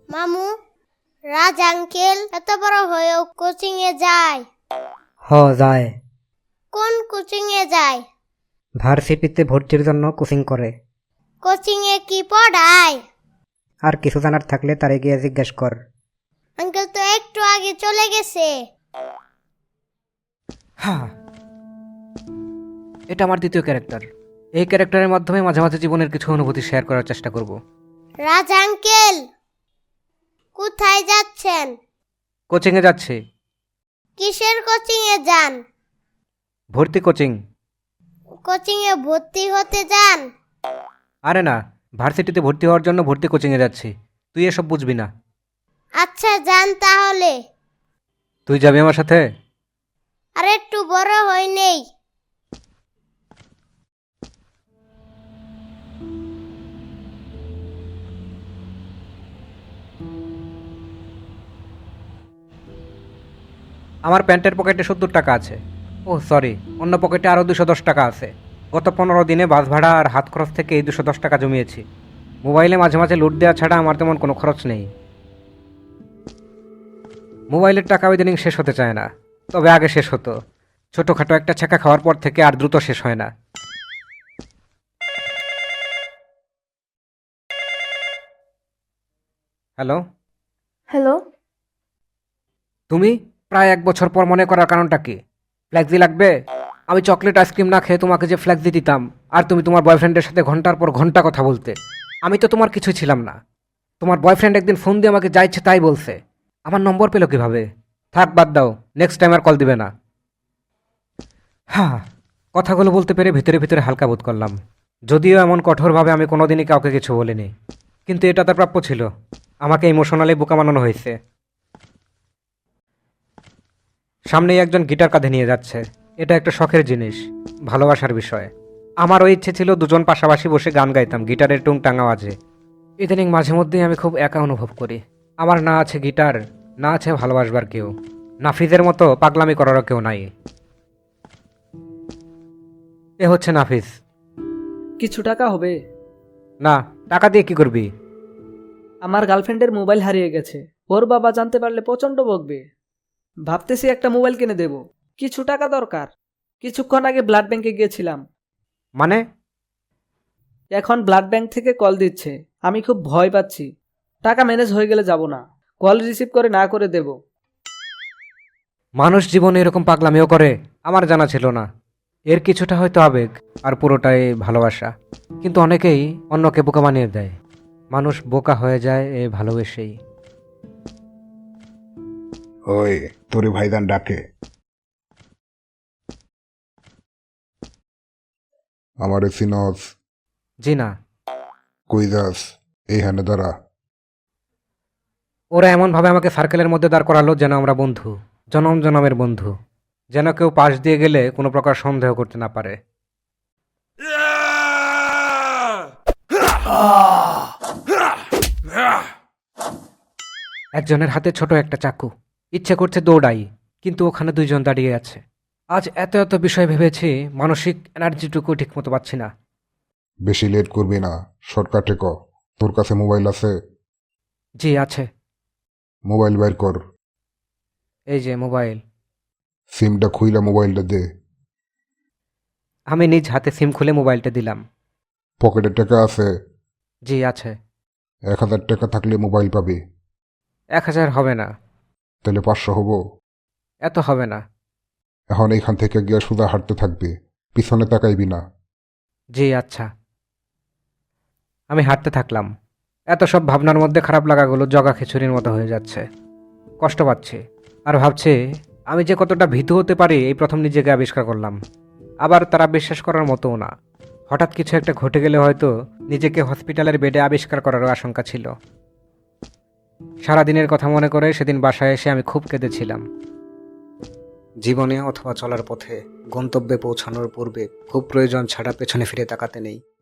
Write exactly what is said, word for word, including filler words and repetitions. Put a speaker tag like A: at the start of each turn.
A: মামু, রাজ আঙ্কেল এত বড় হয়েও কোচিং এ যায়?
B: হ যায়।
A: কোন কোচিং এ যায়?
B: ভার্সিটিতে ভর্তির জন্য কোচিং করে।
A: কোচিং এ কি পড়ায়?
B: আর কিছু জানার থাকলে তারে গিয়ে জিজ্ঞেস কর।
A: আঙ্কেল তো একটু আগে চলে গেছে।
C: হ্যাঁ, এটা আমার দ্বিতীয় ক্যারেক্টার। এই ক্যারেক্টারের মাধ্যমে মাঝে মাঝে জীবনের কিছু অনুভূতি শেয়ার করার চেষ্টা করব।
A: রাজ আঙ্কেল, কোথায় যাচ্ছেন?
C: কোচিংয়ে যাচ্ছি।
A: কিসের কোচিং এ যান?
C: ভর্তি কোচিং।
A: কোচিং এ ভর্তি হতে যান?
C: আরে না, ভার্সিটিতে ভর্তি হওয়ার জন্য ভর্তি কোচিংয়ে যাচ্ছি। তুই এসব বুঝবি না।
A: আচ্ছা, যান তাহলে।
C: তুই যাবি আমার সাথে?
A: আর একটু বড় হই নেই।
C: আমার প্যান্টের পকেটে সত্তর টাকা আছে। ও সরি, অন্য পকেটে আরও দুশো দশ টাকা আছে। গত পনেরো দিনে বাস ভাড়া আর হাত খরচ থেকে এই দুশো দশ টাকা জমিয়েছি। মোবাইলে মাঝে মাঝে লুট দেওয়া ছাড়া আমার তেমন কোনো খরচ নেই। মোবাইলের টাকা ইদানিং শেষ হতে চায় না, তবে আগে শেষ হতো। ছোটোখাটো একটা ছ্যাঁকা খাওয়ার পর থেকে আর দ্রুত শেষ হয় না। Hello,
D: hello.
C: তুমি প্রায় এক বছর পর মনে করার কারণটা কি? ফ্ল্যাক্সি লাগবে? আমি চকলেট আইসক্রিম না খেয়ে তোমাকে যে ফ্ল্যাক্সি দিতাম, আর তুমি তোমার বয়ফ্রেন্ডের সাথে ঘন্টার পর ঘন্টা কথা বলতে। আমি তো তোমার কিছুই ছিলাম না। তোমার বয়ফ্রেন্ড একদিন ফোন দিয়ে আমাকে যা ইচ্ছে তাই বলছে। আমার নম্বর পেলো কিভাবে? থাক, বাদ দাও, নেক্সট টাইম আর কল দিবে না। হ্যাঁ, কথাগুলো বলতে পেরে ভিতরে ভিতরে হালকা বোধ করলাম। যদিও এমন কঠোরভাবে আমি কোনোদিনই কাউকে কিছু বলিনি, কিন্তু এটা তার প্রাপ্য ছিল। আমাকে ইমোশনালি বোকা বানানো হয়েছে। সামনেই একজন গিটার কাঁধে নিয়ে যাচ্ছে। এটা একটা শখের জিনিস, ভালোবাসার বিষয়। আমারও ইচ্ছে ছিল দুজন পাশাপাশি বসে গান গাইতাম গিটারের টুংটাং আওয়াজে। ইদানিং মাঝে মধ্যেই আমি খুব একা অনুভব করি। আমার না আছে গিটার, না আছে ভালোবাসবার কেউ। নাফিজের মতো পাগলামি করারও কেউ নাই। এ হচ্ছে নাফিজ।
D: কিছু টাকা হবে?
C: না, টাকা দিয়ে কি করবি?
D: আমার গার্লফ্রেন্ডের মোবাইল হারিয়ে গেছে। ওর বাবা জানতে পারলে প্রচণ্ড বকবে। ভাবতেছি একটা মোবাইল কিনে দেব। কিছু টাকা দরকার। কিছুক্ষণ আগে ব্লাড ব্যাংকে গিয়েছিলাম।
C: মানে?
D: এখন ব্লাড ব্যাংক থেকে কল দিচ্ছে। আমি খুব ভয় পাচ্ছি। টাকা ম্যানেজ হয়ে গেলে যাব না, কল রিসিভ করে না করে দেব।
C: মানুষ জীবনে এরকম পাগলামিও করে? আমার জানা ছিল না। এর কিছুটা হয়তো আবেগ, আর পুরোটাই ভালোবাসা। কিন্তু অনেকেই অন্যকে বোকা বানিয়ে দেয়। মানুষ বোকা হয়ে যায় এ ভালোবেসেই।
E: ওই তোরে ভাইদান ডাকে। আমারে সিনস?
C: জি না।
E: কই যাস? এইখানে দাঁড়া।
C: ওরা এমনভাবে আমাকে সার্কেলের মধ্যে দাঁড় করালো যেন আমরা বন্ধু, জনম জনমের বন্ধু। যেন কেউ পাশ দিয়ে গেলে কোনো প্রকার সন্দেহ করতে না পারে। একজনের হাতে ছোট একটা চাকু। ইচ্ছে করছে দৌড়াই, কিন্তু ওখানে দুইজন দাঁড়িয়ে আছে। আজ এত এত বিষয় ভেবেছি, মানসিক এনার্জিটুকু ঠিকমতো পাচ্ছি না।
E: বেশি লেট করবি না, শর্টকাটে ক। তোর কাছে মোবাইল আছে?
C: জি আছে।
E: মোবাইল বাইর কর।
C: এই যে মোবাইল।
E: সিমটা খুইলা মোবাইলটা দে।
C: আমি নিজ হাতে সিম খুলে মোবাইলটা দিলাম।
E: পকেটে টাকা আছে?
C: জি আছে।
E: এক হাজার টাকা থাকলে মোবাইল পাবি।
C: এক হাজার হবে না।
E: তাহলে পাঁচশো হবো?
C: এত হবে না।
E: এখন এইখান থেকে গিয়া সোজা হাঁটতে থাকবি, পিছনে তাকাইবি না।
C: জি আচ্ছা। আমি হাঁটতে থাকলাম। এত সব ভাবনার মধ্যে খারাপ লাগাগুলো জগা খিচুড়ির মতো হয়ে যাচ্ছে। কষ্ট পাচ্ছি, আর ভাবছি আমি যে কতটা ভীতু হতে পারি এই প্রথম নিজেকে আবিষ্কার করলাম। আবার তারা বিশ্বাস করার মতোও না। হঠাৎ কিছু একটা ঘটে গেলে হয়তো নিজেকে হসপিটালের বেডে আবিষ্কার করারও আশঙ্কা ছিল। সারাদিনের কথা মনে করে সেদিন বাসায় এসে আমি খুব কেঁদেছিলাম। জীবনে অথবা চলার পথে গন্তব্যে পৌঁছানোর পূর্বে খুব প্রয়োজন ছাড়া পেছনে ফিরে তাকাতে নেই।